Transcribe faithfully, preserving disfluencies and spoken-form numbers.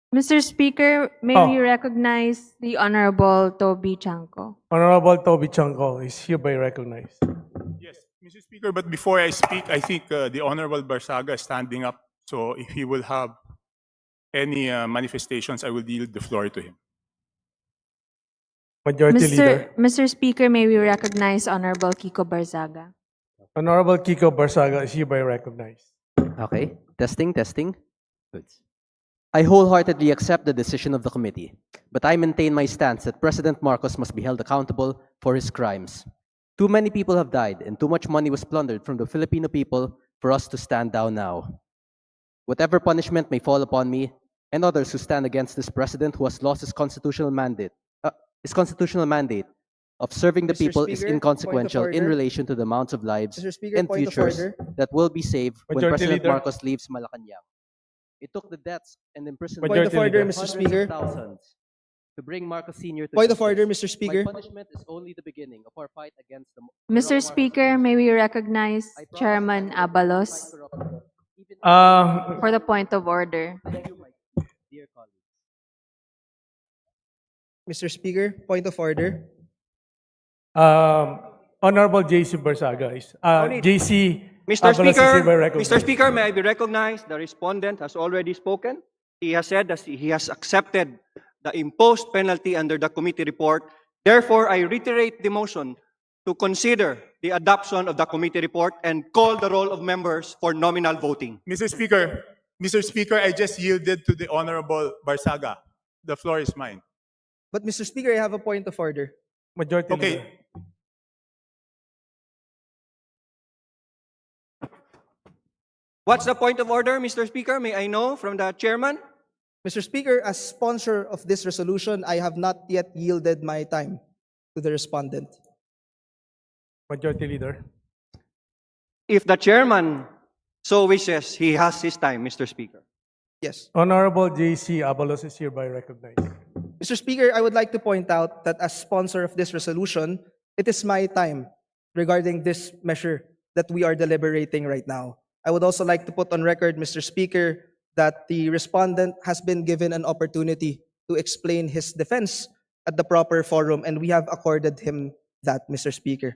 Mister Speaker, may Oh. we recognize the Honorable Toby Chanco? Honorable Toby Chanco is hereby recognized. Yes, Mister Speaker, but before I speak, I think uh, the Honorable Barsaga is standing up. So if he will have any uh, manifestations, I will yield the floor to him. Majority Mister Leader. Mister Speaker, may we recognize Honorable Kiko Barzaga? Honorable Kiko Barsaga is hereby recognized. Okay, testing, testing. Good. I wholeheartedly accept the decision of the committee, but I maintain my stance that President Marcos must be held accountable for his crimes. Too many people have died and too much money was plundered from the Filipino people for us to stand down now. Whatever punishment may fall upon me and others who stand against this president who has lost his constitutional mandate, uh, his constitutional mandate of serving the Mister people is Speaker, inconsequential point of in order. relation to the amounts of lives Mister Speaker, and point of futures order. that will be saved when Majority President Leader. Marcos leaves Malacanang. It took the deaths and imprisonment Point of Majority order, Leader. Mister hundreds Speaker. of thousands to bring Marcos Senior to Point of justice. order, Mister Speaker. My punishment is only the beginning of our fight against the Mister corrupt Marcos Speaker, may we administration. recognize I promise Chairman I will fight Abalos corruption, even Uh, for the point of order? Thank you, my dear colleagues. Mister Speaker, point of order. um, Honorable J C Barsaga is uh, No need. J C Mister Abalos is hereby Speaker, recognized. Mister Speaker, may I be recognized? The respondent has already spoken. He has said that he has accepted the imposed penalty under the committee report. Therefore, I reiterate the motion to consider the adoption of the committee report and call the roll of members for nominal voting. Mister Speaker, Mister Speaker, I just yielded to the Honorable Barsaga. The floor is mine. But Mister Speaker, I have a point of order. Majority Okay. Leader. What's the point of order, Mister Speaker? May I know from the chairman? Mister Speaker, as sponsor of this resolution, I have not yet yielded my time to the respondent. Majority Leader. If the chairman so wishes, he has his time, Mister Speaker. Yes. Honorable J C Abalos is hereby recognized. Mister Speaker, I would like to point out that as sponsor of this resolution, it is my time regarding this measure that we are deliberating right now. I would also like to put on record, Mister Speaker, that the respondent has been given an opportunity to explain his defense at the proper forum, and we have accorded him that, Mister Speaker.